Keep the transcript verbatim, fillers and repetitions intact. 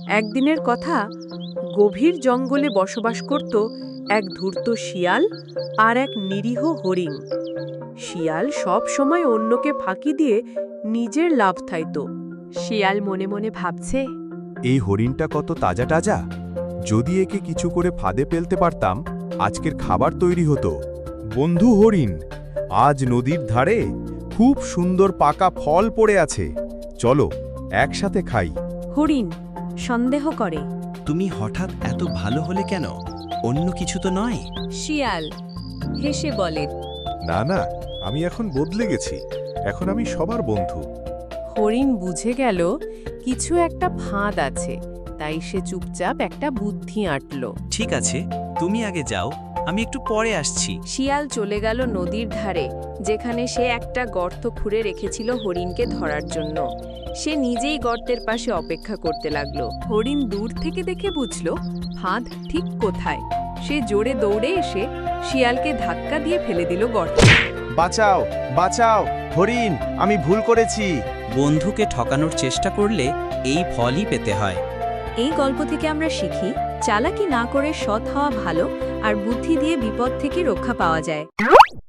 একদিনের কথা, গভীর জঙ্গলে বসবাস করত এক ধূর্ত শিয়াল আর এক নিরীহ হরিণ। শিয়াল সব সময় অন্যকে ফাঁকি দিয়ে নিজের লাভ থাইত। শিয়াল মনে মনে ভাবছে, এই হরিণটা কত তাজা তাজা, যদি একে কিছু করে ফাঁদে ফেলতে পারতাম আজকের খাবার তৈরি হতো। বন্ধু হরিণ, আজ নদীর ধারে খুব সুন্দর পাকা ফল পড়ে আছে, চলো একসাথে খাই। হরিণ সন্দেহ করে। তুমি হঠাৎ এত ভালো হলে কেন? অন্য কিছু তো নয়। শিয়াল হেসে বলে, না না, আমি এখন বদলে গেছি, এখন আমি সবার বন্ধু। হরিণ বুঝে গেল কিছু একটা ফাঁদ আছে, তাই সে চুপচাপ একটা বুদ্ধি আঁটল। ঠিক আছে, তুমি আগে যাও, আমি একটু পরে আসছি। শিয়াল চলে গেল নদীর ধারে, যেখানে সে একটা গর্ত খুঁড়ে রেখেছিল হরিণকে ধরার জন্য। সে নিজেই গর্তের পাশে অপেক্ষা করতে লাগলো। হরিণ দূর থেকে দেখে বুঝল ফাঁদ ঠিক কোথায়। সে জোরে দৌড়ে এসে শিয়ালকে ধাক্কা দিয়ে ফেলে দিল গর্তে। বাঁচাও বাঁচাও হরিণ, আমি ভুল করেছি। বন্ধুকে ঠকানোর চেষ্টা করলে এই ফলই পেতে হয়। এই গল্প থেকে আমরা শিখি, চালাকি না করে সৎ হওয়া ভালো, আর বুদ্ধি দিয়ে বিপদ থেকে রক্ষা পাওয়া যায়।